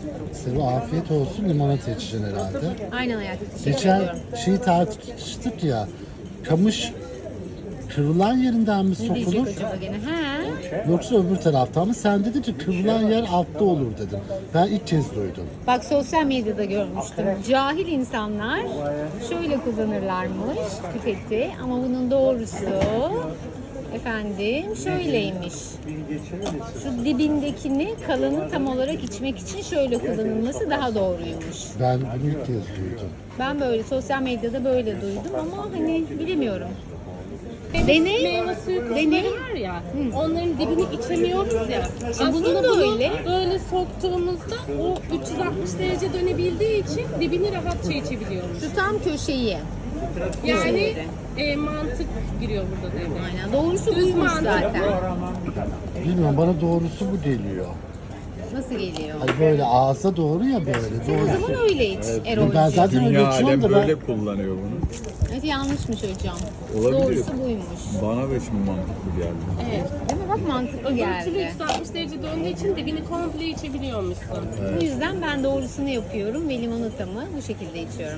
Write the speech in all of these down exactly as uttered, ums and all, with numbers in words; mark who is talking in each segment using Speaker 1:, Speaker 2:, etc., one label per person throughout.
Speaker 1: Size afiyet olsun, limonata içeceksin herhalde.
Speaker 2: Aynen hayatım. Teşekkür
Speaker 1: Geçen
Speaker 2: ediyorum.
Speaker 1: şeyi tartıştık ya, kamış kırılan yerinden mi
Speaker 2: Ne
Speaker 1: sokulur
Speaker 2: diyecek acaba gene? He.
Speaker 1: yoksa öbür taraftan mı? Sen dedin ki kırılan yer altta olur dedin. Ben ilk kez duydum.
Speaker 2: Bak sosyal medyada görmüştüm. Cahil insanlar şöyle kullanırlarmış pipeti ama bunun doğrusu efendim şöyleymiş. Şu dibindekini kalanı tam olarak içmek için şöyle kullanılması daha doğruymuş.
Speaker 1: Ben bunu ilk kez duydum.
Speaker 2: Ben böyle sosyal medyada böyle duydum ama hani bilemiyorum. Dene,
Speaker 3: Meyve suyu
Speaker 2: dene.
Speaker 3: kızları var ya, onların dibini içemiyoruz ya. Aslında
Speaker 2: bunun da
Speaker 3: bunu
Speaker 2: öyle.
Speaker 3: böyle soktuğumuzda o üç yüz altmış derece dönebildiği için dibini rahatça içebiliyoruz.
Speaker 2: Şu tam köşeyi.
Speaker 3: Yani e, mantık giriyor burada devreye.
Speaker 2: Aynen. Doğrusu
Speaker 3: Düz
Speaker 2: buymuş
Speaker 3: mantık.
Speaker 2: zaten.
Speaker 1: Bilmiyorum, bana doğrusu bu geliyor.
Speaker 2: Nasıl geliyor?
Speaker 1: Hani böyle ağza doğru ya böyle.
Speaker 2: Sen o
Speaker 1: Doğrusu.
Speaker 2: zaman öyle iç Erol'cum.
Speaker 1: Ben zaten öyle
Speaker 4: Dünya
Speaker 1: içiyorum
Speaker 4: alem
Speaker 1: da ben.
Speaker 4: böyle kullanıyor bunu.
Speaker 2: Evet yanlışmış hocam.
Speaker 4: Olabilir.
Speaker 2: Doğrusu buymuş.
Speaker 4: Bana da şimdi mantıklı geldi.
Speaker 3: Evet.
Speaker 2: Değil mi? Bak mantıklı
Speaker 3: Türlü
Speaker 2: geldi.
Speaker 3: üç yüz altmış derece döndüğü için dibini komple içebiliyormuşsun.
Speaker 2: Bu yüzden ben doğrusunu yapıyorum ve limonatamı bu şekilde içiyorum.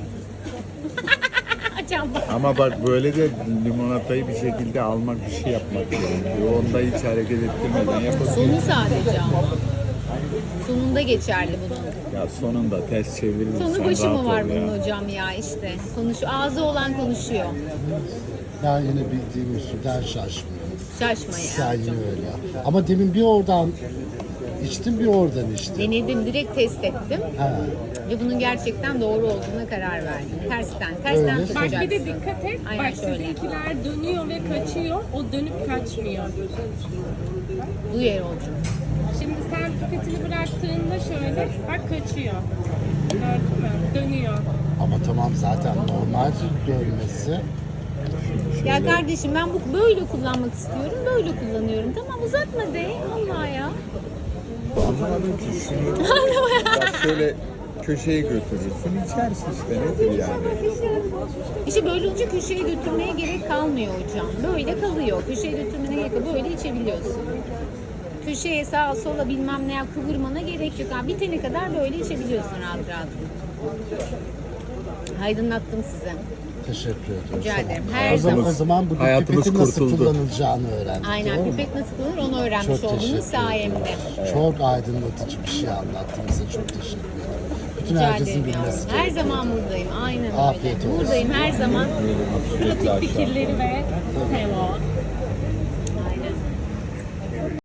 Speaker 2: Can bak.
Speaker 4: Ama bak böyle de limonatayı bir şekilde almak, bir şey yapmak gerekiyor. Onda hiç hareket ettirmeden yapabiliyorsun.
Speaker 2: Sonu sadece ama. Sonunda geçerli bunun.
Speaker 4: Ya sonunda ters çevirirsen
Speaker 2: Sonu başı
Speaker 4: rahat
Speaker 2: mı var
Speaker 4: ol
Speaker 2: bunun
Speaker 4: ya.
Speaker 2: hocam ya işte. Konuş, ağzı olan konuşuyor.
Speaker 1: Ben yine bildiğim usulden şaşmıyorum.
Speaker 2: Şaşma
Speaker 1: Sen
Speaker 2: ya.
Speaker 1: yine öyle. Ama demin bir oradan içtim, bir oradan içtim.
Speaker 2: Denedim, direkt test ettim.
Speaker 1: Ha.
Speaker 2: Ve bunun gerçekten doğru olduğuna karar verdim. Tersten, tersten
Speaker 1: Öyle.
Speaker 3: Bak bir
Speaker 2: tutacaksın.
Speaker 3: de dikkat et.
Speaker 2: Aynen
Speaker 3: Bak
Speaker 2: şöyle.
Speaker 3: sizinkiler dönüyor ve kaçıyor. O dönüp kaçmıyor.
Speaker 2: Bu yer olacak.
Speaker 3: Şimdi sen pipetini bıraktığında şöyle bak kaçıyor. Gördün mü? Dönüyor.
Speaker 1: Ama tamam, zaten normal dönmesi.
Speaker 2: Ya kardeşim ben bu böyle kullanmak istiyorum, böyle kullanıyorum. Tamam uzatma de, Allah ya.
Speaker 4: Anlamadım ki şunu. Bak şöyle köşeye götürürsün, içersin işte, nedir yani?
Speaker 2: İşte böyle olunca köşeye götürmeye gerek kalmıyor hocam. Böyle kalıyor. Köşeye götürmene gerek yok. Böyle içebiliyorsun. Köşeye sağa sola bilmem ne ya kıvırmana gerek yok. Ha, bitene kadar böyle içebiliyorsun rahat rahat. Aydınlattım size.
Speaker 1: Teşekkür ederim.
Speaker 2: Rica ederim. Her
Speaker 1: O zaman,
Speaker 2: zaman.
Speaker 1: o zaman bugün
Speaker 4: Hayatımız
Speaker 1: pipetin nasıl
Speaker 4: kurtuldu.
Speaker 1: kullanılacağını öğrendik.
Speaker 2: Aynen
Speaker 1: doğru mu?
Speaker 2: pipet nasıl kullanır onu öğrenmiş
Speaker 1: Çok teşekkür
Speaker 2: olduğunuz
Speaker 1: ederim.
Speaker 2: sayemde.
Speaker 1: Çok aydınlatıcı bir şey anlattın bize. Çok teşekkür ederim. Bütün
Speaker 2: Rica
Speaker 1: herkesin
Speaker 2: ederim
Speaker 1: bilmesi
Speaker 2: yavrum. Her
Speaker 1: gerekiyor.
Speaker 2: zaman buradayım. Aynen
Speaker 1: Afiyet
Speaker 2: öyle.
Speaker 1: olsun.
Speaker 2: Buradayım her zaman.
Speaker 3: Pratik fikirleri ve sevo.